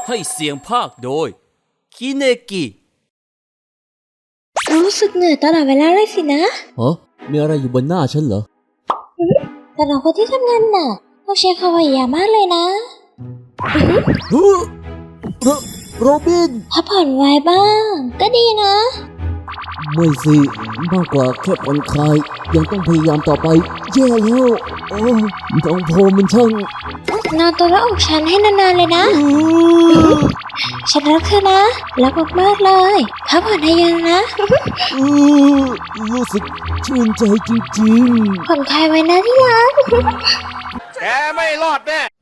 ให้เสียงภาคโดยคิเนกิรู้สึกเหนื่อยตลอดเวลาเลยสินะมีอะไรอยู่บนหน้าฉันเหรอแต่เราคนที่ทำงานหนักต้องใช้ความพยายามมากเลยนะโรบินพักผ่อนไว้บ้าง ก็ดีนะไม่สิมากกว่าแค่ผ่อนคลายยังต้องพยายามต่อไปแย่แล้วน้องโพมันช่างนอนตัวละอกฉันให้นานๆเลยนะ ฉันรักเธอนะ รักมากๆเลยพักผ่อนให้เยอะนะรู้สึกชื่นใจจริงๆผ่อนคลายไว้นะที่รักแกไม่รอดแน่